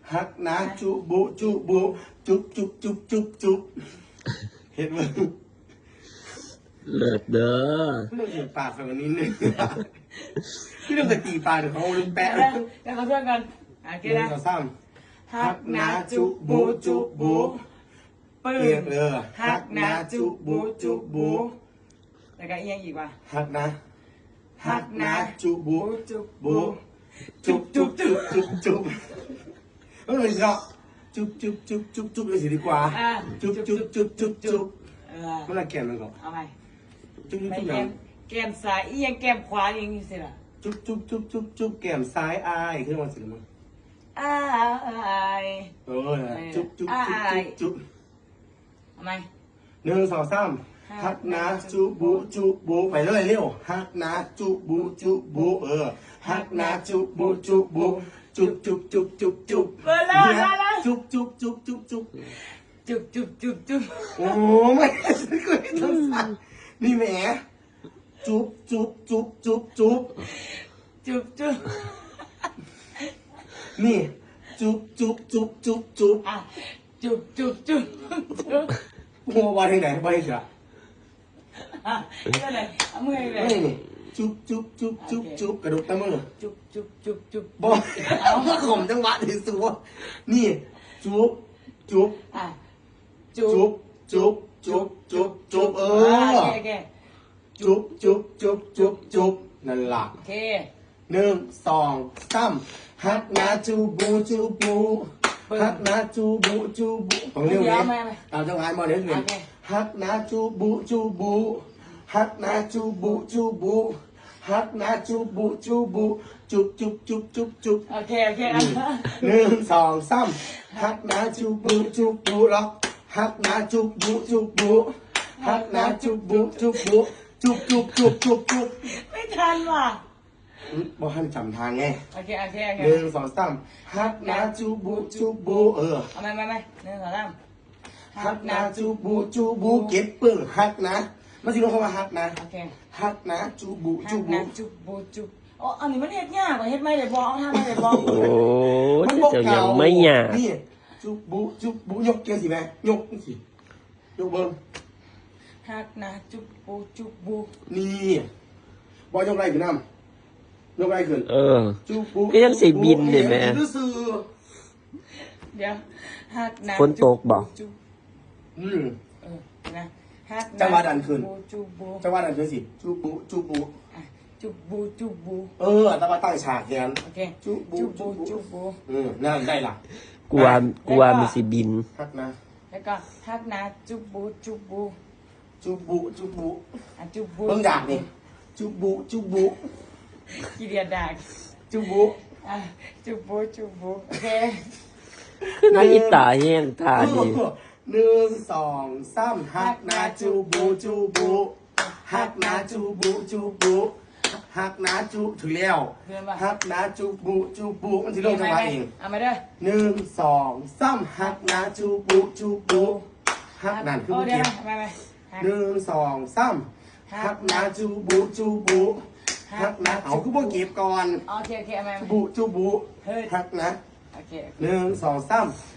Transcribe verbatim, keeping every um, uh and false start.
ฮักนะจุบุจุบุจุบจุบจุบจุบจุบเห็นมั้ยเลิศเด้อเรื่องตีปากแบบนี้นึงพี่เรื่องตีปากเดี๋ยวเขาลืมแปะแล้วเขาเพื่อนกันโอเคนะฮักนะจุบุจุบุปึ้งเออฮักนะจุบุจุบุแล้วก็เอียงอีกว่ะฮักนะฮักนะจุบุจุบุจุบจุบจุบจุบจุบเออเนาะจุบจุบจุบจุบจุบเลยสิดีกว่าจุบจุบจุบจุบจุบเมื่อไรแกมมันก่อนเอาไปจุบจุบจุบแกมแกมซ้ายเอียงแกมขวาเอียงนี่สิล่ะจุบจุบจุบจุบจุบแกมซ้ายอายขึ้นมาสิมั้งอายเออจุบจุบจุบจุบจุบเอาไหมหนึ่งสองสามฮักนะจุบุจุบุไปเลยเร็วฮักนะจุบุจุบุเออฮักนะจุบุจุบุจุบจุบจุบจุบจุบเออแล้วแล้วจุบจุบจุบจุบจุบจุบจุบจุบจุบโอ้ไม่ฉันเคยทำสั่นนี่แหมจุบจุบจุบจุบจุบจุบจุบนี่จุบจุบจุบจุบจุบอ่ะจุบจุบจุบจุบหัววันที่ไหนวันที่เสียอ่ะก็เลยเอามือเลยนี่จุบจุบจุบจุบจุบกระดูกตะมือจุบจุบจุบจุบบอกเอาข่มจังหวะที่สุดนี่จุบจุบอ่ะจุบจุบจุบจุบจุบเออจุบจุบจุบจุบจุบนั่นล่ะโอเคหนึ่งสองสามฮักนาจูบูจูบูฮักนาจูบูจูบูของเรื่องนี้ตามจังหวะมาเรื่อยๆฮักนาจูบูจูบูฮักนาจูบูจูบูฮักนาจูบูจูบูจุบจุบจุบจุบจุบโอเคโอเคหนึ่งสองสามฮักนาจูบูจูบูล็อกฮักนาจูบูจูบูฮักนาจูบูจูบูจุบจุบจุบจุบจุบไม่ทันว่ะบอกให้จำทางไงโอเคโอเคโอเคหนึ่งสองสามฮักนาจูบูจูบูเออเอาไหมไม่ไม่หนึ่งสองสามฮักนาจูบูจูบูเก็บปึ้งฮักนะมันสิลงคำว่าฮักนะโอเคฮักนะจูบูจูบูจูบูจูอ๋ออันนี้มันเฮ็ดยากกว่าเฮ็ดไม่ได้บอกเอาทำไม่ได้บอกโอ้เจ้ายังไม่ยากนี่จูบูจูบูยกเกียร์สิแม่ยกสิยกเบิ้งฮักนะจูบูจูบูนี่บอยยกไรขึ้นน้ำยกไรขึ้นเออก็ยังสิบินเลยแม่เดี๋ยวฮักนะฝนตกบ่อืมเออนะจังหวะดันขึ้นจังหวะดันขึ้นสิจูบูจูบูจูบูจูบูเออแต่ว่าตั้งฉากแทนโอเคจูบูจูบูจูบูอืมนั่นได้ละกลัวกลัวมันสิบินฮักนะแล้วก็ฮักนะจูบูจูบูจูบูจูบูอ่ะจูบูเพิ่งด่านี่จูบูจูบูกี่เดียดด่าจูบูอ่ะจูบูจูบูโอเคน่าอิตาแห้งตาดีหนึ่งสองสามฮักนาจูบูจูบูฮักนาจูบูจูบูฮักนาจูถึงแล้วฮักนาจูบูจูบูมันที่ลงจังหวะเองเอามาด้วยหนึ่งสองสามฮักนาจูบูจูบูฮักนั่นคือเมื่อกี้หนึ่งสองสามฮักนาจูบูจูบูฮักนะเอาคือพวกเก็บก่อนโอเคโอเคเอามาจูบูจูบูฮักนะหนึ่งสองสาม